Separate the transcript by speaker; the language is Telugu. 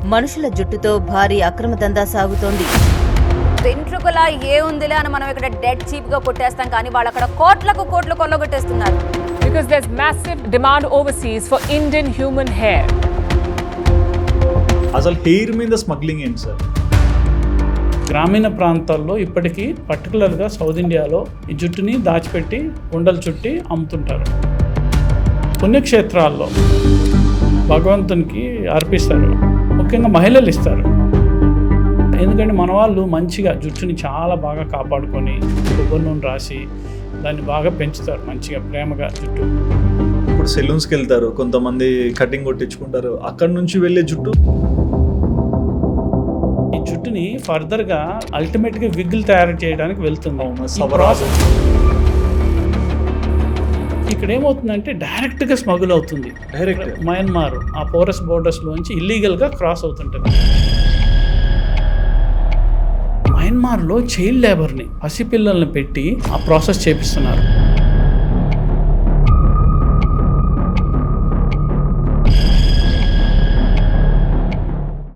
Speaker 1: మనుషుల జుట్టుతో భారీ అక్రమ దందా సాగుతోంది.
Speaker 2: వెంట్రుకల ఏ ఉందిలే అని మనం ఇక్కడ డెడ్ చీప్ గా కొట్టేస్తాం, కానీ వాళ్ళు అక్కడ కోట్లకు కోట్లు కొల్లగొట్టేస్తున్నారు.
Speaker 3: Because there's massive demand overseas for Indian human hair.
Speaker 4: అసలు హెయిర్ మీద స్మగ్లింగ్ ఏంటి సార్?
Speaker 5: గ్రామీణ ప్రాంతాల్లో ఇప్పటికీ పర్టికులర్గా సౌత్ ఇండియాలో ఈ జుట్టుని దాచిపెట్టి ఉండలు చుట్టి అమ్ముతుంటారు. పుణ్యక్షేత్రాల్లో భగవంతునికి అర్పిస్తారు, ముఖ్యంగా మహిళలు ఇస్తారు. ఎందుకంటే మన వాళ్ళు మంచిగా జుట్టుని చాలా బాగా కాపాడుకొని కొబ్బరి నూనె రాసి దాన్ని బాగా పెంచుతారు, మంచిగా ప్రేమగా జుట్టు.
Speaker 4: ఇప్పుడు సెలూన్స్కి వెళ్తారు, కొంతమంది కటింగ్ కొట్టించుకుంటారు, అక్కడ నుంచి వెళ్ళే జుట్టు
Speaker 5: ఈ జుట్టుని ఫర్దర్గా అల్టిమేట్గా విగ్గులు తయారు చేయడానికి వెళ్తుంది. ఈ ప్రాసెస్ ఇక్కడ ఏమవుతుందంటే డైరెక్ట్గా స్మగుల్ అవుతుంది.
Speaker 4: డైరెక్ట్
Speaker 5: మయన్మార్ ఆ పోరస్ బోర్డర్స్లోంచి ఇల్లీగల్గా క్రాస్ అవుతుంటుంది. మయన్మార్లో చైల్డ్ లేబర్ని, పసిపిల్లల్ని పెట్టి ఆ ప్రాసెస్ చేపిస్తున్నారు.